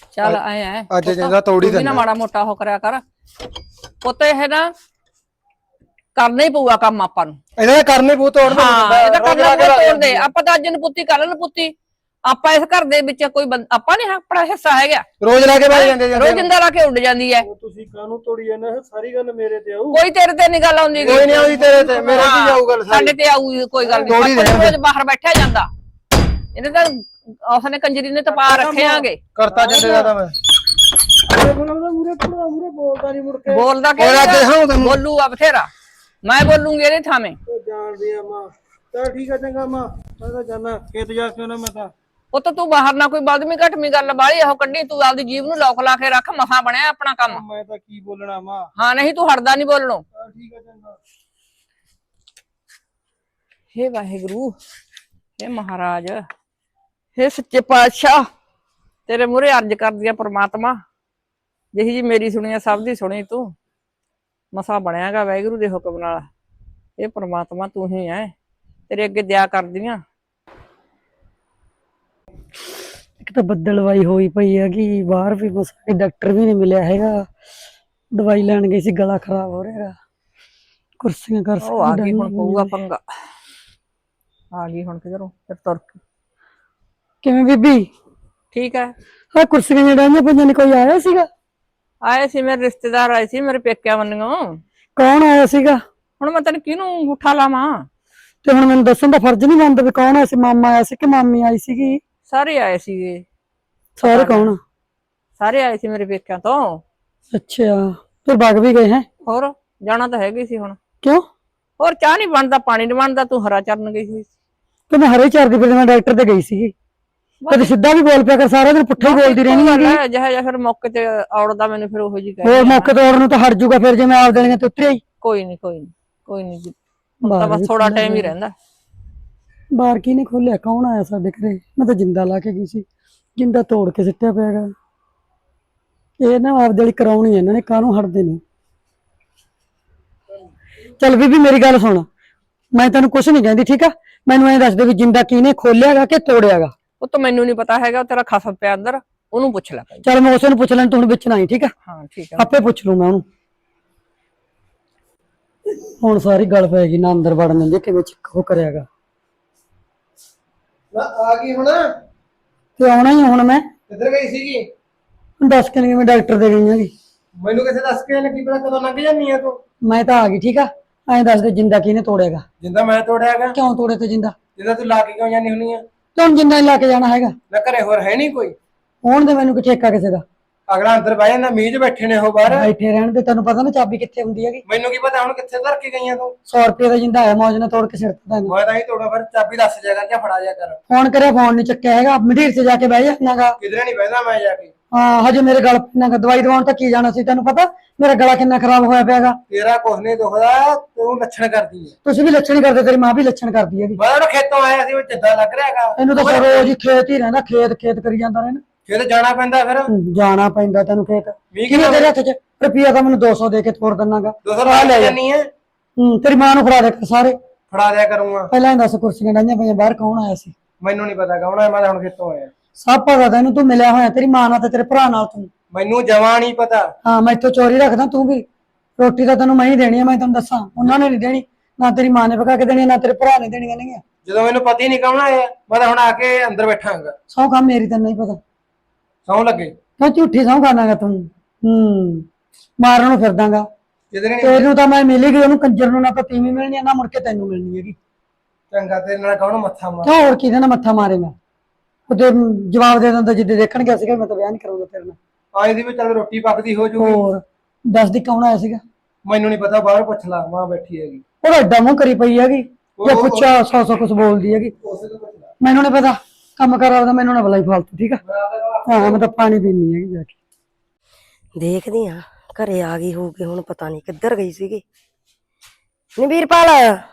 ਚੱਲ ਆਏ ਐ ਅੱਜ ਜਿੰਦਾ ਤੋੜੀ ਨਾ ਮਾੜਾ ਮੋਟਾ ਹੋ ਕਰਿਆ ਕਰ ਪੁੱਤ ਇਹ ਨਾ ਕਰਨਾ ਹੀ ਪਊਗਾ ਕੰਮ ਆਪਾਂ ਨੂੰ ਇਹਦਾ ਕਰਨੇ ਪੂ ਤੋੜਨਾ ਹਾਂ ਇਹ ਤਾਂ ਕਰਨਾ ਪਊਗਾ ਤੋੜਦੇ ਆਪਾਂ ਤਾਂ ਅੱਜ ਨੂੰ ਪੁੱਤੀ ਕਰ ਲੈਣ ਪੁੱਤੀ ਆਪਾਂ ਇਸ ਘਰ ਦੇ ਵਿੱਚ ਕੋਈ ਆਪਾਂ ਨੇ ਆਪਣਾ ਹਿੱਸਾ ਹੈਗਾ ਰੋਜ਼ ਲਾ ਕੇ ਬਹਿ ਜਾਂਦੇ ਰੋਜ਼ ਜਿੰਦਾ ਲਾ ਕੇ ਉੱਡ ਜਾਂਦੀ ਹੈ ਤੁਸੀਂ ਕਾਹਨੂੰ ਤੋੜੀ ਜਾਂਦੇ ਸਾਰੀ ਗੱਲ ਮੇਰੇ ਤੇ ਆਊ ਕੋਈ ਤੇਰੇ ਤੇ ਨਹੀਂ ਗੱਲ ਆਉਂਦੀ ਕੋਈ ਨਹੀਂ ਆਉਂਦੀ ਤੇਰੇ ਤੇ ਮੇਰੇ ਕੀ ਜਾਊ ਗੱਲ ਸਾਡੇ ਤੇ ਆਊ ਕੋਈ ਗੱਲ ਨਹੀਂ ਰੋਜ਼ ਬਾਹਰ ਬੈਠਿਆ ਜਾਂਦਾ ਇਹਨੇ ਤਾਂ ਉਸਨੇ ਕੰਜਰੀ ਨੇ ਤਪਾ ਰੱਖਿਆਂਗੇ ਕਰਤਾ ਜਾਂਦੇ ਜਿਆਦਾ ਮੈਂ ਮੂਰੇ ਬੋਲਦਾ ਨਹੀਂ ਮੁੜ ਕੇ ਬੋਲਦਾ ਕਿ ਬੋਲੂ ਆ ਬਥੇਰਾ ਮੈਂ ਬੋਲੂੰਗੀ ਇਹਦੇ ਥਾਵੇਂ ਜਾਣਦੀ ਆ ਮਾਂ ਚਲ ਠੀਕ ਆ ਚੰਗਾ ਮਾਂ ਮੈਂ ਤਾਂ ਜਾਣਾ ਖੇਤ ਜਾ ਕੇ ਉਹਨਾਂ ਮੈਂ ਤਾਂ ਉਹ ਤਾਂ ਤੂੰ ਬਾਹਰ ਨਾ ਕੋਈ ਬਦਮੀ ਘਟਮੀ ਗੱਲ ਬਾਹਲੀ ਉਹ ਕੱਢੀ ਤੂੰ ਆਪਦੀ ਜੀਭ ਨੂੰ ਲੋਕ ਲਾ ਕੇ ਰੱਖ ਮਸਾਂ ਬਣਿਆ ਆਪਣਾ ਕੰਮ ਮੈਂ ਤਾਂ ਕੀ ਬੋਲਣਾ ਮਾਂ ਹਾਂ ਨਹੀਂ ਤੂੰ ਹਟਦਾ ਨਹੀਂ ਬੋਲਣੋਂ ਚਲ ਠੀਕ ਆ ਚੰਗਾ ਹੇ ਵਾਹਿਗੁਰੂ ਹੇ ਮਹਾਰਾਜ ਹੇ ਸੱਚੇ ਪਾਤਸ਼ਾਹ ਤੇਰੇ ਮੂਹਰੇ ਅਰਜ਼ ਕਰਦੀ ਆ ਪ੍ਰਮਾਤਮਾ ਜਿਹੀ ਜੀ ਮੇਰੀ ਸੁਣੀ ਆ ਸਭ ਦੀ ਸੁਣੀ ਤੂੰ ਮਸਾ ਬਣਿਆਗਾ ਵਾਹਿਗੁਰੂ ਦੇ ਹੁਕਮ ਨਾਲ ਇਹ ਪ੍ਰਮਾਤਮਾ ਤੂੰ ਹੀ ਐ ਤੇਰੇ ਅੱਗੇ ਦਇਆ ਕਰਦੀ ਆ ਇੱਕ ਤਾਂ ਬੱਦਲਵਾਈ ਹੋਈ ਪਈ ਹੈਗੀ ਬਾਹਰ ਵੀ ਕੋਈ ਡਾਕਟਰ ਵੀ ਨਹੀਂ ਮਿਲਿਆ ਹੈਗਾ ਦਵਾਈ ਲੈਣ ਗਈ ਸੀ ਗਲਾ ਖਰਾਬ ਹੋ ਰਿਹਾ ਕੁਰਸੀਆਂ ਕਰ ਉਹ ਆ ਗਈ ਹੁਣ ਪਊਗਾ ਪੰਗਾ ਆ ਗਈ ਹੁਣ ਕਿਧਰੋਂ ਫਿਰ ਤੁਰ ਕੇ ਕਿਵੇਂ ਬੀਬੀ ਠੀਕ ਹੈ ਹਾਂ ਕੁਰਸੀਆਂ ਜਿਹੜੀਆਂ ਪੰਜਾਂ ਨੇ ਕੋਈ ਆਇਆ ਸੀਗਾ ਆਏ ਸੀ ਮੇਰੇ ਰਿਸ਼ਤੇਦਾਰ ਆਏ ਸੀ ਮੇਰੇ ਪੇਕਿਆਂ ਵੱਲੋਂ ਕੌਣ ਆਇਆ ਸੀਗਾ ਹੁਣ ਮੈਂ ਤੈਨੂੰ ਕਿਹਨੂੰ ਅੰਗੂਠਾ ਲਾਵਾਂ ਤੇ ਹੁਣ ਮੈਨੂੰ ਦੱਸਣ ਦਾ ਫਰਜ਼ ਨਹੀਂ ਬਣਦਾ ਵੀ ਕੌਣ ਆਇਆ ਸੀ ਮਾਮਾ ਆਇਆ ਸੀ ਕਿ ਮਾਮੀ ਆਈ ਸੀਗੀ ਸਾਰੇ ਆਏ ਸੀਗੇ ਸਾਰੇ ਕੌਣ ਸਾਰੇ ਆਏ ਸੀ ਮੇਰੇ ਪੇਕਿਆਂ ਤੋਂ ਅੱਛਾ ਫਿਰ ਵਗ ਵੀ ਗਏ ਹੈ ਹੋਰ ਜਾਣਾ ਤਾਂ ਹੈਗੀ ਸੀ ਹੁਣ ਕਿਉਂ ਹੋਰ ਚਾਹ ਨਹੀਂ ਬਣਦਾ ਪਾਣੀ ਨਹੀਂ ਬਣਦਾ ਤੂੰ ਹਰਾ ਚਰਨ ਗਈ ਸੀ ਤੇ ਮੈਂ ਹਰੇ ਚਰਦੀ ਫਿਰ ਮੈਂ ਡਾਕਟਰ ਤੇ ਗਈ ਸੀਗੀ ਕਦੇ ਸਿੱਧਾ ਵੀ ਬੋਲ ਪਿਆ ਕਰ ਸਾਰਾ ਦਿਨ ਪੁੱਠਾ ਹੀ ਬੋਲਦੀ ਰਹਿਣੀ ਹੈਗੀ ਜਿਹਾ ਫਿਰ ਮੌਕੇ ਤੇ ਔੜਦਾ ਮੈਨੂੰ ਫਿਰ ਉਹੋ ਜੀ ਹੋਰ ਮੌਕੇ ਤੇ ਔੜ ਨੂੰ ਤਾਂ ਹਟ ਜਾਊਗਾ ਫਿਰ ਜੇ ਮੈਂ ਆਪ ਦੇਣੀਆਂ ਤੇ ਉਤਰਿਆ ਹੀ ਕੋਈ ਨਹੀਂ ਕੋਈ ਨਹੀਂ ਕੋਈ ਨਹੀਂ ਤਾਂ ਬਸ ਥੋੜਾ ਟਾਈਮ ਹੀ ਰਹਿੰਦਾ ਬਾਹਰ ਕੀ ਨੇ ਖੋਲਿਆ ਕੌਣ ਆਇਆ ਸਾਡੇ ਘਰੇ ਮੈਂ ਤਾਂ ਜਿੰਦਾ ਲਾ ਕੇ ਗਈ ਸੀ ਜਿੰਦਾ ਤੋੜ ਕੇ ਸਿੱਟਿਆ ਪਿਆਗਾ ਇਹ ਨਾ ਆਪਦੇ ਲਈ ਕਰਾਉਣੀ ਇਹਨਾਂ ਨੇ ਕਾਹਨੂੰ ਹਟਦੇ ਨੇ ਚੱਲ ਬੀਬੀ ਮੇਰੀ ਗੱਲ ਸੁਣ ਮੈਂ ਤੈਨੂੰ ਕੁਛ ਨਹੀਂ ਕਹਿੰਦੀ ਠੀਕ ਆ ਮੈਨੂੰ ਐਂ ਦੱਸ ਦੇ ਵੀ ਜਿੰਦਾ ਕਿਹਨੇ ਖੋਲਿਆਗਾ ਕਿ ਤੋੜਿਆਗਾ ਉਹ ਤਾਂ ਮੈਨੂੰ ਨਹੀਂ ਪਤਾ ਹੈਗਾ ਤੇਰਾ ਖਸਮ ਪਿਆ ਅੰਦਰ ਉਹਨੂੰ ਪੁੱਛ ਲੈ ਚੱਲ ਮੈਂ ਉਸੇ ਨੂੰ ਪੁੱਛ ਲੈਣ ਤੂੰ ਹੁਣ ਵਿੱਚ ਨਾ ਆਈ ਠੀਕ ਆ ਹਾਂ ਠੀਕ ਹੈ ਆਪੇ ਪੁੱਛ ਲੂ ਮੈਂ ਉਹਨੂੰ ਹੁਣ ਸਾਰੀ ਗੱਲ ਪੈ ਗਈ ਨਾ ਅੰਦਰ ਵੜਨ ਦਿੰਦੇ ਕਿਵੇਂ ਉਹ ਕਰਿਆਗਾ ਆ ਗਈ ਹੁਣ ਤੇ ਆਉਣਾ ਹੀ ਹੁਣ ਮੈਂ ਕਿੱਧਰ ਗਈ ਸੀਗੀ ਦੱਸ ਕੇ ਨਹੀਂ ਮੈਂ ਡਾਕਟਰ ਦੇ ਗਈ ਹੈਗੀ ਮੈਨੂੰ ਕਿਸੇ ਦੱਸ ਕੇ ਲੱਗੀ ਪਤਾ ਕਦੋਂ ਲੰਘ ਜਾਂਦੀ ਆ ਤੂੰ ਮੈਂ ਤਾਂ ਆ ਗਈ ਠੀਕ ਆ ਐਂ ਦੱਸ ਦੇ ਜਿੰਦਾ ਕਿਹਨੇ ਤੋੜਿਆਗਾ ਜਿੰਦਾ ਮੈਂ ਤੋੜਿਆਗਾ ਕਿਉਂ ਤੋੜੇ ਤੇ ਜਿੰਦਾ ਜਿੰਦਾ ਤੂੰ ਲਾ ਕੇ ਕਿਉਂ ਜਾਂਦੀ ਹੁੰਨੀ ਆ ਤੂੰ ਜਿੰਦਾ ਹੀ ਲਾ ਕੇ ਜਾਣਾ ਹੈਗਾ ਨਾ ਘਰੇ ਹੋਰ ਹੈ ਨਹੀਂ ਕੋਈ ਹੋਣ ਦੇ ਮੈਨੂੰ ਕਿ ਠੇਕਾ ਕਿਸੇ ਦਾ ਅਗਲਾ ਅੰਦਰ ਬਹਿ ਜਾਂਦਾ ਮੀਂਹ 'ਚ ਬੈਠੇ ਨੇ ਉਹ ਬਾਹਰ ਬੈਠੇ ਰਹਿਣ ਦੇ ਤੈਨੂੰ ਪਤਾ ਨਾ ਚਾਬੀ ਕਿੱਥੇ ਹੁੰਦੀ ਹੈਗੀ ਮੈਨੂੰ ਕੀ ਪਤਾ ਹੁਣ ਕਿੱਥੇ ਧਰ ਕੇ ਗਈਆਂ ਤੂੰ 100 ਰੁਪਏ ਦਾ ਜਿੰਦਾ ਆਇਆ ਮੌਜ ਨਾਲ ਤੋੜ ਕੇ ਸਿਰ ਤੇ ਤੈਨੂੰ ਮੈਂ ਤਾਂ ਹੀ ਤੋੜਾ ਫਿਰ ਚਾਬੀ ਦੱਸ ਜਾ ਕਰ ਜਾਂ ਫੜਾ ਜਾ ਕਰ ਫੋਨ ਕਰਿਆ ਫੋਨ ਨਹੀਂ ਚੱਕਿਆ ਹੈਗਾ ਮੰਡੀਰ 'ਚ ਜਾ ਕੇ ਬਹਿ ਜਾਣਾਗਾ ਕਿਧਰੇ ਨਹੀਂ ਬਹਿੰਦਾ ਮੈਂ ਜਾ ਕੇ ਹਾਂ ਹਜੇ ਮੇਰੇ ਗਲ ਪੈਣਾਗਾ ਦਵਾਈ ਦਵਾਉਣ ਤਾਂ ਕੀ ਜਾਣਾ ਸੀ ਤੈਨੂੰ ਪਤਾ ਮੇਰਾ ਗਲਾ ਕਿੰਨਾ ਖਰਾਬ ਹੋਇਆ ਪਿਆਗਾ ਤੇਰਾ ਕੁਛ ਨਹੀਂ ਦੁਖਦਾ ਤੂੰ ਲੱਛਣ ਕਰਦੀ ਹੈ ਤੁਸੀਂ ਵੀ ਲੱਛਣ ਕਰਦੇ ਤੇਰੀ ਮਾਂ ਵੀ ਲੱਛਣ ਕਰਦੀ ਹੈਗੀ ਮੈਂ ਤਾਂ ਖੇਤੋਂ ਆਇਆ ਸੀ ਉਹ ਜਿੱਦਾਂ ਲੱਗ ਰਿਹਾਗਾ ਇਹਨੂੰ ਤਾਂ ਰੋਜ਼ ਹੀ ਖੇਤ ਹੀ ਰਹਿੰਦਾ ਖੇਤ ਖੇਤ ਕਰੀ ਜਾਂਦਾ ਰਹਿਣਾ ਫਿਰ ਜਾਣਾ ਪੈਂਦਾ ਫਿਰ ਜਾਣਾ ਪੈਂਦਾ ਤੈਨੂੰ ਖੇਤ ਵੀਹ ਕਿਵੇਂ ਤੇਰੇ ਹੱਥ 'ਚ ਰੁਪਈਆ ਤਾਂ ਮੈਨੂੰ 200 ਦੇ ਕੇ ਤੋੜ ਦਿੰਨਾਗਾ 200 ਰੁਪਏ ਲੈ ਜਾਨੀ ਹੈ ਤੇਰੀ ਮਾਂ ਨੂੰ ਫੜਾ ਦੇ ਸਾਰੇ ਫੜਾ ਦਿਆ ਕਰੂੰਗਾ ਪਹਿਲਾਂ ਹੀ ਦੱਸ ਕੁਰਸੀਆਂ ਡਾਈਆਂ ਪਈਆਂ ਬਾਹਰ ਕੌਣ ਆਇਆ ਸੀ ਮੈਨੂੰ ਨਹੀਂ ਪਤਾ ਕੌਣ ਹੈ ਮੈਂ ਤਾਂ ਹੁਣ ਖੇਤੋਂ ਆਇਆ ਸਭ ਪਤਾ ਤੈਨੂੰ ਤੂੰ ਮਿਲਿਆ ਹੋਇਆ ਤੇਰੀ ਮਾਂ ਨਾਲ ਤੇ ਤੇਰੇ ਭਰਾ ਨਾਲ ਤੂੰ ਮੈਨੂੰ ਜਮਾ ਨਹੀਂ ਪਤਾ ਹਾਂ ਮੈਂ ਇੱਥੋਂ ਚੋਰੀ ਰੱਖਦਾ ਤੂੰ ਵੀ ਰੋਟੀ ਤਾਂ ਤੈਨੂੰ ਮੈਂ ਹੀ ਦੇਣੀ ਆ ਮੈਂ ਤੈਨੂੰ ਦੱਸਾਂ ਉਹਨਾਂ ਨੇ ਨਹੀਂ ਦੇਣੀ ਨਾ ਤੇਰੀ ਮਾਂ ਨੇ ਪਕਾ ਕੇ ਦੇਣੀ ਨਾ ਤੇਰੇ ਭਰਾ ਨੇ ਦੇਣੀਆਂ ਨਹੀਂ ਜਦੋਂ ਮੈਨੂੰ ਪਤਾ ਹੀ ਨਹੀਂ ਕੌਣ ਆਇਆ ਮੈਂ ਤਾਂ ਹੁਣ ਆ ਕੇ ਅੰਦਰ ਬੈਠਾਂਗਾ ਸੌ ਕੰਮ ਮੇਰੀ ਤੈਨੂੰ ਨਹੀਂ ਪਤਾ ਸੌਂ ਲੱਗੇ ਕਿਉਂ ਝੂਠੀ ਸੌ ਖਾਣਾਗਾ ਤੂੰ ਮਾਰਨ ਨੂੰ ਫਿਰਦਾਗਾ ਕਿਧਰੇ ਨਹੀਂ ਤੈਨੂੰ ਤਾਂ ਮੈਂ ਮਿਲੀ ਗਈ ਉਹਨੂੰ ਕੰਜਰ ਨੂੰ ਨਾ ਤਾਂ ਤੀਵੀਂ ਮਿਲਣੀ ਆ ਨਾ ਮੁੜ ਕੇ ਤੈਨੂੰ ਮਿਲਣੀ ਹੈਗੀ ਚੰਗਾ ਤੇਰੇ ਨਾਲ ਕੌਣ ਮੱਥਾ ਮਾਰ ਕਿਉਂ ਹੋਰ ਕਿਹਦੇ ਨਾਲ ਮੱਥਾ ਮਾਰੇਗਾ ਉਹਦੇ ਜਵਾਬ ਦੇ ਦਿੰਦਾ ਜਿੱਦੇ ਦੇਖਣ ਗਿਆ ਸੀਗਾ ਮੈਂ ਤਾਂ ਵਿਆਹ ਨਹੀਂ ਕਰਾਉਂਦਾ ਤੇਰੇ ਨਾਲ ਆਏ ਦੀ ਵੀ ਚੱਲ ਰੋਟੀ ਪੱਕਦੀ ਹੋ ਜੂਗੀ ਹੋਰ ਦੱਸ ਦੀ ਕੌਣ ਆਇਆ ਸੀਗਾ ਮੈਨੂੰ ਨਹੀਂ ਪਤਾ ਬਾਹਰ ਪੁੱਛ ਲਾ ਮਾਂ ਬੈਠੀ ਹੈਗੀ ਉਹ ਐਡਾ ਮੂੰਹ ਕਰੀ ਪਈ ਹੈਗੀ ਜੇ ਪੁੱਛਿਆ 100 ਕੁਛ ਬੋਲਦੀ ਹੈਗੀ ਉਸੇ ਤੋਂ ਪੁੱਛ ਲਾ ਮੈਨੂੰ ਨਹੀਂ ਪਤਾ ਕੰਮ ਕਰ ਆਉਦਾ ਮੈਨੂੰ ਨਾ ਬੁਲਾਈ ਫਾਲਤੂ ਠੀਕ ਆ ਹਾਂ ਮੈਂ ਤਾਂ ਪਾਣੀ ਪੀਣੀ ਹੈਗੀ ਜਾ ਕੇ ਦੇਖਦੀ ਆ ਘਰੇ ਆ ਗਈ ਹੋਊਗੀ ਹੁਣ ਪਤਾ ਨਹੀਂ ਕਿੱਧਰ ਗਈ ਸੀਗੀ ਨੀ ਵੀਰਪਾਲ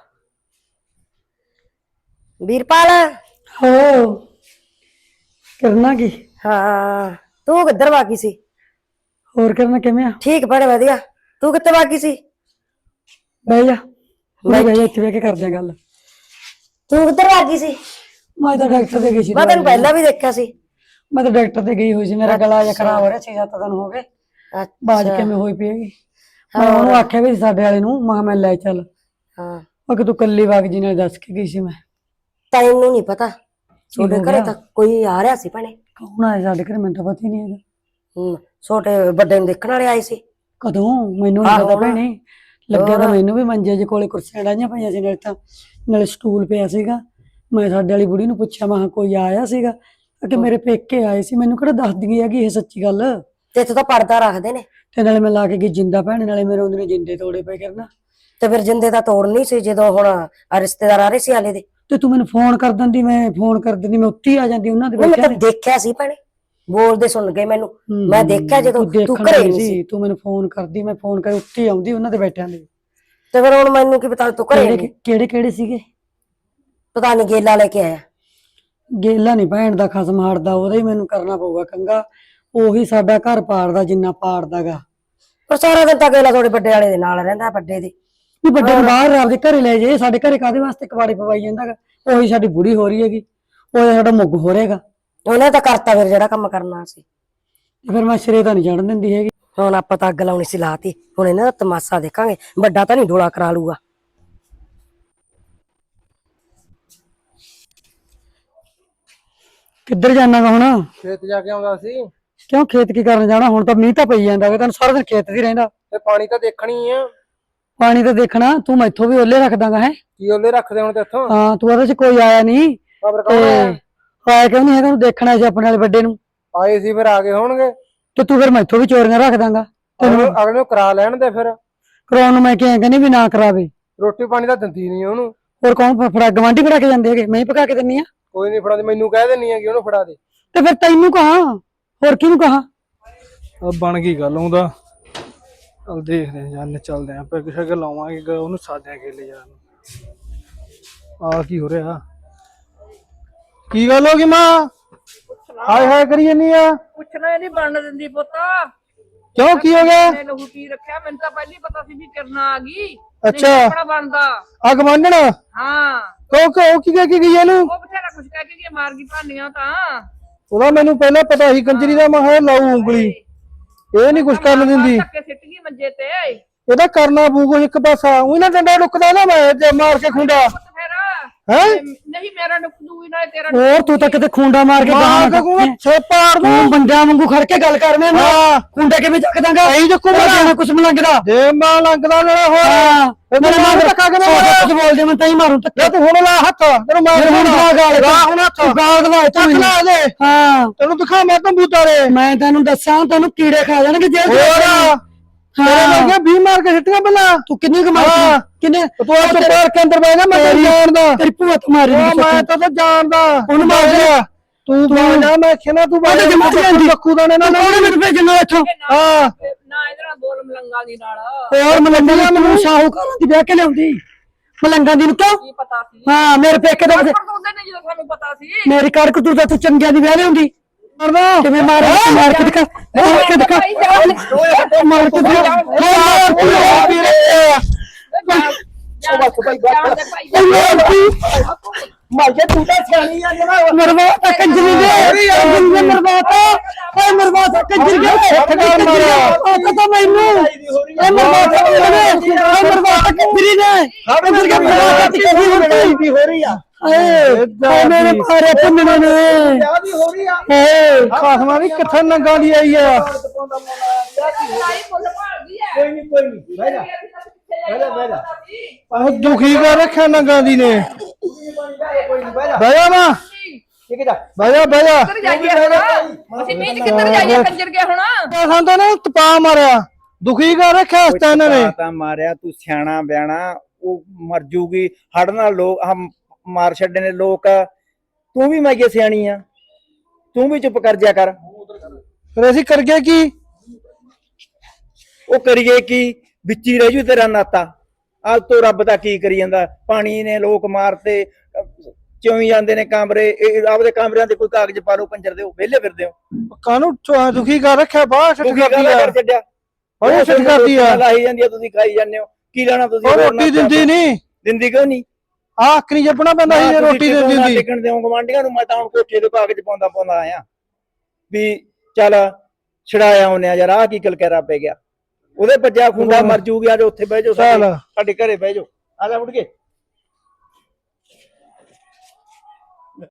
ਵੀਰਪਾਲ ਹੋ ਕਰਨਾ ਕੀ ਹਾਂ ਤੂੰ ਕਿੱਧਰ ਵਾਗੀ ਸੀ ਹੋਰ ਕਰਨਾ ਕਿਵੇਂ ਆ ਠੀਕ ਬੜੇ ਵਧੀਆ ਤੂੰ ਕਿੱਥੇ ਵਾਗੀ ਸੀ ਬਹਿ ਜਾ ਬਹਿ ਜਾ ਇੱਥੇ ਬਹਿ ਕੇ ਕਰਦੇ ਆ ਗੱਲ ਤੂੰ ਕਿੱਧਰ ਵਾਗੀ ਸੀ ਮੈਂ ਤਾਂ ਡਾਕਟਰ ਦੇ ਗਈ ਸੀ ਮੈਂ ਤੈਨੂੰ ਪਹਿਲਾਂ ਵੀ ਦੇਖਿਆ ਸੀ ਮੈਂ ਤਾਂ ਡਾਕਟਰ ਤੇ ਗਈ ਹੋਈ ਸੀ, ਮੇਰਾ ਗਲਾ ਜਿਹਾ ਖਰਾਬ ਹੋ ਰਿਹਾ 6-7 ਦਿਨ ਹੋ ਗਏ। ਬਾਜ ਅੱਛਾ ਕਿਵੇਂ ਹੋਈ ਪਈ ਹੈਗੀ। ਮੈਂ ਉਹਨੂੰ ਆਖਿਆ ਵੀ ਸਾਡੇ ਵਾਲੇ ਨੂੰ, ਮੈਂ ਕਿਹਾ ਮੈਂ ਲੈ ਚੱਲ। ਹਾਂ ਉਹ ਕਿ ਤੂੰ ਕੱਲੀ ਵਗ ਜੀ ਨਾਲ ਦੱਸ ਕੇ ਗਈ ਸੀ ਮੈਂ। ਤੈਨੂੰ ਨਹੀਂ ਪਤਾ ਤੁਹਾਡੇ ਹੋ ਘਰੇ ਗਿਆ? ਤਾਂ ਕੋਈ ਆ ਰਿਹਾ ਸੀ ਭੈਣੇ। ਕੌਣ ਆਇਆ ਸਾਡੇ ਘਰੇ? ਮੈਨੂੰ ਤਾਂ ਪਤਾ ਹੀ ਨਹੀਂ ਹੈਗਾ। ਛੋਟੇ ਵੱਡੇ ਨੂੰ ਦੇਖਣ ਵਾਲੇ ਆਏ ਸੀ। ਕਦੋਂ? ਮੈਨੂੰ ਨਹੀਂ ਆਹੋ ਪਤਾ ਨਾ। ਭੈਣੇ। ਲੱਗਿਆ ਤਾਂ ਹੋਰ। ਮੈਨੂੰ ਵੀ ਮੰਜੇ ਜੇ ਕੋਲੇ ਕੁਰਸੀਆਂ ਡਾਈਆਂ ਪਈਆਂ ਸੀ, ਨਾਲੇ ਸਟੂਲ ਪਿਆ ਸੀਗਾ। ਮੈਂ ਸਾਡੇ ਵਾਲੀ ਬੁੜੀ ਨੂੰ ਪੁੱਛਿਆ, ਮੈਂ ਕਿਹਾ ਕੋਈ ਆਇਆ ਸੀਗਾ ਕਿ ਮੇਰੇ ਪੇਕੇ ਆਏ ਸੀ। ਮੈਨੂੰ ਕਿਹੜਾ ਦੱਸਦੀ ਹੈਗੀ ਇਹ ਸੱਚੀ ਗੱਲ। ਤੇ ਇੱਥੇ ਤਾਂ ਪਰਦਾ ਰੱਖਦੇ ਨੇ। ਤੇ ਨਾਲੇ ਮੈਂ ਲਾ ਕੇ ਗਈ ਜਿੰਦਾ ਭੈਣੇ, ਨਾਲੇ ਮੇਰੇ ਉਹਦੇ ਨੇ ਜਿੰਦੇ ਤੋੜੇ ਪਏ ਕਰਨਾ। ਤੇ ਫਿਰ ਜਿੰਦੇ ਦਾ ਤੋੜਨੀ ਸੀ ਜਦੋਂ ਹੁਣ ਰਿਸ਼ਤੇਦਾਰ ਆ ਰਹੇ ਸੀ ਹਾਲੇ ਦੇ। ਤੇ ਤੂੰ ਮੈਨੂੰ ਫੋਨ ਕਰ ਦਿੰਦੀ, ਮੈਂ ਫੋਨ ਕਰ ਦਿੰਦੀ, ਮੈਂ ਉੱਥੇ ਹੀ ਆ ਜਾਂਦੀ ਉਹਨਾਂ ਦੇ ਮੈਂ ਬੈਠਿਆਂ ਤਾਂ ਦੇਖਿਆ ਸੀ ਭੈਣੇ, ਬੋਲਦੇ ਸੁਣ ਗਏ ਮੈਨੂੰ। ਮੈਂ ਦੇਖਿਆ ਜਦੋਂ ਤੂੰ ਦੇਖਣ ਘਰੇ ਗਈ ਨਹੀਂ ਸੀ। ਤੂੰ ਮੈਨੂੰ ਫੋਨ ਕਰਦੀ, ਮੈਂ ਫੋਨ ਕਰ ਉੱਥੇ ਹੀ ਆਉਂਦੀ ਉਹਨਾਂ ਦੇ ਬੈਠਿਆਂ ਦੇ। ਤੇ ਫਿਰ ਹੁਣ ਮੈਨੂੰ ਕੀ ਪਤਾ ਤੂੰ ਘਰੇ ਨਹੀਂ। ਕਿਹੜੇ ਕਿਹੜੇ ਸੀਗੇ? ਪਤਾ ਨਹੀਂ ਗੇਲਾ ਲੈ ਕੇ ਆਇਆ। ਗੇਲਾ ਨਹੀਂ ਭੈਣ ਦਾ ਖਸਮ ਹਟਦਾ, ਉਹਦਾ ਹੀ ਮੈਨੂੰ ਕਰਨਾ ਪਊਗਾ ਕੰਗਾ। ਉਹੀ ਸਾਡਾ ਘਰ ਪਾੜਦਾ ਜਿੰਨਾ ਪਾੜਦਾਗਾ। ਪਰ ਸਾਰਾ ਦਿਨ ਤਾਂ ਗੇਲਾ ਤੁਹਾਡੇ ਵੱਡੇ ਵਾਲੇ ਦੇ ਨਾਲ ਰਹਿੰਦਾ, ਵੱਡੇ ਦੇ। ਵੀ ਵੱਡੇ ਨੂੰ ਬਾਹਰ ਆਪਦੇ ਘਰੇ ਲੈ ਜੇ, ਸਾਡੇ ਘਰੇ ਕਾਹਦੇ ਵਾਸਤੇ ਕਵਾੜੀ ਪਵਾਈ ਜਾਂਦਾਗਾ। ਉਹੀ ਸਾਡੀ ਬੁੜੀ ਹੋ ਰਹੀ ਹੈਗੀ, ਉਹ ਸਾਡਾ ਮੁੱਗ ਹੋ ਰਹੇਗਾ। ਉਹਨੇ ਤਾਂ ਕਰਤਾ ਫਿਰ ਜਿਹੜਾ ਕੰਮ ਕਰਨਾ ਸੀ। ਫਿਰ ਮੈਂ ਸਿਰੇ ਤਾਂ ਨਹੀਂ ਚੜਨ ਦਿੰਦੀ ਹੈਗੀ। ਹੁਣ ਆਪਾਂ ਤਾਂ ਅੱਗ ਲਾਉਣੀ ਸੀ ਲਾਤੀ, ਹੁਣ ਇਹਨਾਂ ਦਾ ਤਮਾਸ਼ਾ ਦੇਖਾਂਗੇ। ਵੱਡਾ ਤਾਂ ਨਹੀਂ ਡੋਲਾ ਕਰਾ ਲੂਗਾ। ਕਿੱਧਰ ਜਾਣਾਗਾ ਹੁਣ? ਖੇਤ ਜਾ ਕੇ ਆਉਂਦਾ ਸੀ। ਕਿਉਂ ਖੇਤ ਕੀ ਕਰਨ ਜਾਣਾ? ਹੁਣ ਤਾਂ ਮੀਂਹ ਤਾਂ ਪਈ ਜਾਂਦਾ ਵਾ, ਤੈਨੂੰ ਸਾਰਾ ਦਿਨ ਖੇਤ 'ਚ ਹੀ ਰਹਿੰਦਾ। ਤੇ ਪਾਣੀ ਤਾਂ ਦੇਖਣੀ ਆ। ਪਾਣੀ ਤਾਂ ਦੇਖਣਾ, ਤੂੰ ਮੈਥੋਂ ਵੀ ਓਲੇ ਰੱਖ ਦਾਂਗਾ ਹੈ। ਕੀ ਉਹਲੇ ਰੱਖਦੇ ਹੁਣ ਤੇ ਇੱਥੋਂ? ਹਾਂ, ਤੂੰ ਉਹਦੇ 'ਚ ਕੋਈ ਆਇਆ ਨਹੀਂ ਖਬਰ ਤੇ ਕੌਣ ਆਇਆ? ਆਇਆ ਕਿਉਂ ਨਹੀਂ ਹੈਗਾ? ਤੂੰ ਦੇਖਣਾ ਸੀ ਆਪਣੇ ਵਾਲੇ ਵੱਡੇ ਨੂੰ। ਆਏ ਸੀ ਫਿਰ ਆ ਗਏ ਹੋਣਗੇ। ਤੇ ਤੂੰ ਫਿਰ ਮੈਥੋਂ ਵੀ ਚੋਰੀਆਂ ਰੱਖ ਦਾਂਗਾ। ਅਗਲੇ ਨੂੰ ਕਰਾ ਲੈਣ ਦੇ ਫਿਰ। ਕਰਾਉਣ ਨੂੰ ਮੈਂ ਕਿਹਾ ਕਹਿੰਦੀ ਵੀ ਨਾ ਕਰਾਵੇ। ਰੋਟੀ ਪਾਣੀ ਤਾਂ ਦਿੰਦੀ ਨਹੀਂ ਉਹਨੂੰ। ਹੋਰ ਕੌਣ ਫੜਾ? ਗਵਾਂਢੀ ਫੜਾ ਕੇ ਜਾਂਦੇ ਹੈਗੇ, ਮੈਂ ਹੀ ਪਕਾ ਕੇ ਦਿੰਨੀ ਆ। ਕੋਈ ਨਹੀਂ ਫੜਾ ਦੇ, ਮੈਨੂੰ ਕਹਿ ਦੇਣੀ ਹੈਗੀ ਉਹਨੂੰ ਫੜਾ ਦੇ। ਤੇ ਫਿਰ ਤੈਨੂੰ ਕਹਾਂ, ਹੋਰ ਕਿਹਨੂੰ ਕਹਾਂ? ਬਣ ਗਈ ਗੱਲ ਉਹਦਾ। ਚੱਲ ਦੇਖਦੇ ਆਂ, ਜਾਨ ਚੱਲਦੇ ਆਂ, ਪੈਗ ਸ਼ੈਗ ਲਾਵਾਂਗੇ, ਉਹਨੂੰ ਸਾਧਿਆਂ ਕੇ ਲੈ ਜਾਣ। ਆ ਕੀ ਹੋ ਰਿਹਾ? ਕੀ ਗੱਲ ਹੋ ਗਈ ਮਾਂ? ਹਾਏ ਹਾਏ ਕਰੀ ਜਾਨੀ ਆ। ਪੁੱਛਣਾ ਨਹੀਂ ਬਣਨ ਦਿੰਦੀ ਪੁੱਤ। ਕਿਉਂ ਕੀ ਹੋ ਗਿਆ? ਮੈਂ ਲਹੂ ਪੀ ਰੱਖਿਆ, ਮੈਨੂੰ ਤਾਂ ਪਹਿਲਾਂ ਹੀ ਪਤਾ ਸੀ ਵੀ ਕਿਰਨਾ ਆ ਗਈ। ਅੱਛਾ। ਆਪਣਾ ਬਣਦਾ। ਅੱਗ ਮੰਨਣ? ਹਾਂ, ਕਿਉਂ ਕੀ ਕਹਿ ਕੇ ਗਈ ਇਹਨੂੰ? ਉਹ ਬਥੇਰਾ ਕੁਛ ਕਹਿ ਕੇ ਗਈ, ਮਾਰ ਗਈ ਭਾਨੀਆਂ ਤਾਂ। ਉਹਦਾ ਮੈਨੂੰ ਪਹਿਲਾਂ ਪਤਾ ਸੀ ਕੰਜਰੀ ਦਾ, ਮੈਂ ਕਿਹਾ ਲਾਊ ਉਂਗਲੀ। ਇਹ ਨਹੀਂ ਕੁਛ ਕਰਨ ਦਿੰਦੀ। ਧੱਕੇ ਸਿੱਟ ਗਈ ਮੰਜੇ ਤੇ। ਇਹਦਾ ਕਰਨਾ ਪਊਗਾ ਇੱਕ ਪਾਸਾ। ਉਹ ਨਾ ਡੰਡਾ ਲੁਕਦਾ ਨਾ ਮੈਂ ਤੇ ਮਾਰ ਕੇ ਖੁੰਡਾ। ਪੁੱਤ ਫਿਰ ਹੈ ਨਹੀਂ ਮੇਰਾ ਨੁਕ ਦੂਈ ਨਾ ਤੇਰਾ। ਹੋਰ ਤੂੰ ਤਾਂ ਕਿਤੇ ਖੁੰਡਾ ਮਾਰ ਕੇ ਮਾਰ ਕੇ ਕੋ ਛੇਪਾੜ ਦੂੰ। ਤੂੰ ਬੰਦਿਆਂ ਵਾਂਗੂ ਖੜ ਕੇ ਗੱਲ ਕਰ ਮੈਨੂੰ। ਹਾਂ। ਖੁੰਡਾ ਕਿਵੇਂ ਚੱਕ ਦਾਂਗਾ? ਐਂ ਚੱਕੂ ਮੇਰਾ ਕੁਛ ਨੀ ਲੱਗਦਾ। ਜੇ ਮਾਂ ਲੰਗਦਾ ਨਾ ਹੋਰ। ਹਾਂ, ਮੇਰੇ ਮਾਂ ਨੂੰ ਧੱਕਾ ਕਿਵੇਂ ਮਾਰਿਆ? ਕੁਝ ਬੋਲਦੇ ਮੈਂ ਤਾਂ ਹੀ ਮਾਰੂ ਧੱਕਾ। ਤੂੰ ਹੁਣ ਲਾ ਹੱਥ, ਤੈਨੂੰ ਮੈਂ ਹੁਣ ਗਾਲ ਹੁਣ ਹੱਥ ਗਾਲ ਦਵਾ ਚੱਕ ਲਾ ਦੇ। ਹਾਂ, ਤੈਨੂੰ ਦਿਖਾ ਮੈਂ ਕੰਬੂਤਾ ਰੇ। ਮੈਂ ਤੈਨੂੰ ਦੱਸਾਂ, ਤੈਨੂੰ ਕੀੜੇ ਖਾ ਜਾਣਗੇ ਜੇ ਹੋਰ ਤੇਰੇ ਵਰਗੇ 20 ਮਾਰ ਕੇ ਸਿੱਟੀਆਂ ਪਹਿਲਾਂ। ਤੂੰ ਕਿੰਨੀ ਕਮਾਈ ਕਿੰਨੇ? ਤੂੰ ਆ ਚੁੱਪ ਕਰਕੇ ਅੰਦਰ ਬਹਿ ਜਾ, ਮੈਂ ਤੈਨੂੰ ਜਾਣਦਾ। ਤੇਰੀ ਭੂਆ ਤੇ ਮਾਰੀ ਮੈਂ ਤਾਂ ਜਾਣਦਾ। ਉਹਨੂੰ ਮਾਰ ਦੇ। ਤੂੰ ਬਾਹਰ ਜਾ, ਮੈਂ ਖੇਨਾ ਤੂੰ ਬਾਹਰ ਜਾ। ਬੱਕੂ ਦਾ ਨੇ ਨਾ ਉਹਨੇ ਮੈਨੂੰ ਭੇਜਣਾ ਇੱਥੋਂ। ਹਾਂ ਨਾ ਇਹਦੇ ਨਾਲ ਬੋਲ ਮਲੰਗਾ ਦੀ ਨਾਲ। ਹੋਰ ਮਲੰਗਾ ਮੈਨੂੰ ਸ਼ਾਹੂਕਾਰਾਂ ਦੀ ਵਿਆਹ ਕੇ ਲਿਆਉਂਦੀ। ਮਲੰਗਾ ਦੀ ਨੂੰ ਕਿਉਂ? ਕੀ ਪਤਾ ਸੀ? ਹਾਂ, ਮੇਰੇ ਪੇਕੇ ਦਾ ਉਹਦੇ ਨੇ ਜਦੋਂ ਸਾਨੂੰ ਪਤਾ ਸੀ। ਮੇਰੀ ਕੜਕ ਤੂੰ ਤਾਂ ਚੰਗਿਆਂ ਦੀ ਵਿਆਹ ਲਿਆਉਂਦੀ। ਕਿਵੇਂ ਮਾਰ ਕੇ ਦਿਖਾ, ਮਾਰ ਕੇ ਦਿਖਾ, ਮਾਰ ਕੇ ਮਾਜੇ ਤੂੰ ਤਾਂ ਸਿਆਣੀ ਆ ਜਰਾ। ਮਰਵਾਤਾ ਕੰਜਰੀ ਦੇ, ਮਰਵਾਤਾ ਓਏ, ਮਰਵਾਤਾ ਕੰਜਰੀ ਦੇ। ਪਤਾ ਮੈਨੂੰ ਇਹ ਮਰਵਾਤਾ ਕੰਜਰੀ ਨੇ। ਕੰਜਰੀ ਕੇ ਮਰਵਾਤਾ ਕੰਜਰੀ ਹੋ ਰਹੀ ਆ। ਏ ਮੇਰੇ ਮਾਰੇ ਪੁੰਨਣੇ ਨੇ। ਦੀ ਹੋ ਰਹੀ ਆ। ਖਾਸਮਾਂ ਦੀ ਕਿੱਥੇ ਨੰਗਾ ਦੀ ਆਈ ਆ। ਲੜਾਈ ਫੁੱਲ ਭਾਲਦੀ ਹੈ। ਕੋਈ ਨਹੀਂ ਬਹਿ ਜਾ। ਬਹਿ ਜਾ। ਆਹ ਦੁਖੀ ਕਰ ਰੱਖਿਆ ਨੰਗਾ ਦੀ ਨੇ। ਬਹਿ ਜਾ ਮਾਂ, ਬਹਿ ਜਾ ਬਹਿ ਜਾ। ਕਿੱਧਰ ਜਾਈਏ ਹੁਣ? ਅਸੀਂ ਮੀਂਹ ਚ ਕਿੱਧਰ ਜਾਈਏ ਕੰਜਰ ਕੇ ਹੁਣ? ਸਾਨੂੰ ਨੇ ਤਪਾ ਮਾਰਿਆ, ਦੁਖੀ ਕਰ ਰੱਖਿਆ ਇਸ ਤਾਂ ਇਹਨਾਂ ਨੇ। ਤਾਂ ਮਾਰਿਆ ਤੂੰ ਸਿਆਣਾ ਬਿਆਣਾ, ਉਹ ਮਰ ਜੂਗੀ ਹੜ ਨਾਲ। ਲੋਕ ਮਾਰ ਛੱਡੇ ਨੇ ਲੋਕ। ਤੂੰ ਵੀ ਮਾਈਏ ਸਿਆਣੀ ਆ, ਤੂੰ ਵੀ ਚੁੱਪ ਕਰ ਜਾ ਕਰ। ਫਿਰ ਅਸੀਂ ਕਰ ਗਏ ਕੀ? ਉਹ ਕਰੀਏ ਕੀ, ਵਿੱਚ ਹੀ ਰਹਿ ਜੂ ਤੇਰਾ ਨਾਤਾ। ਅੱਜ ਤੋਂ ਰੱਬ ਦਾ ਕੀ ਕਰੀ ਜਾਂਦਾ? ਪਾਣੀ ਨੇ ਲੋਕ ਮਾਰਤੇ, ਚੋਈ ਜਾਂਦੇ ਨੇ ਕਮਰੇ। ਆਪਦੇ ਕਮਰਿਆਂ ਤੇ ਕੋਈ ਕਾਗਜ਼ ਪਾ ਲਓ ਕੰਜਰ ਦੇ, ਵਿਹਲੇ ਫਿਰਦੇ ਹੋ। ਕਾਹਨੂੰ ਦੁਖੀ ਕਰ ਰੱਖਿਆ? ਬਾਹਰ ਛੱਡ ਕਰਦੀ ਆ, ਕਰ ਛੱਡਿਆ ਬਾਹਰ ਛੱਡ ਕਰਦੀ ਆ। ਲਾਈ ਜਾਂਦੀ ਆ, ਤੁਸੀਂ ਖਾਈ ਜਾਂਦੇ ਹੋ। ਕੀ ਲੈਣਾ ਤੁਸੀਂ? ਉਹ ਰੋਟੀ ਦਿੰਦੀ ਨਹੀਂ। ਦਿੰਦੀ ਕਿਉਂ ਨਹੀਂ? ਆਹ ਅੱਖ ਨਹੀਂ ਜੱਪਣਾ ਪੈਂਦਾ ਸੀ ਜੇ ਰੋਟੀ ਦਿੰਦੀ ਹੁੰਦੀ। ਟਿਕਣ ਦਿਓ ਗਵਾਂਢੀਆਂ ਨੂੰ। ਮੈਂ ਤਾਂ ਹੁਣ ਕੋਠੇ ਦੇ ਕਾਗਜ਼ ਪਾਉਂਦਾ ਆਇਆ। ਵੀ ਚੱਲ ਛੜਾਇਆ ਆਉਂਦੇ ਆ ਯਾਰ, ਆਹ ਕੀ ਕਲਕੈਰਾ ਪੈ ਗਿਆ। ਉਹਦੇ ਬੱਜਿਆ ਖੁੰਡਾ ਮਰ ਜੂਗੀ, ਅੱਜ ਉੱਥੇ ਬਹਿ ਜਾਓ, ਚੱਲ। ਸਾਡੇ ਘਰੇ ਬਹਿ ਜਾਓ, ਆ ਜਾ ਮੁੜ ਕੇ।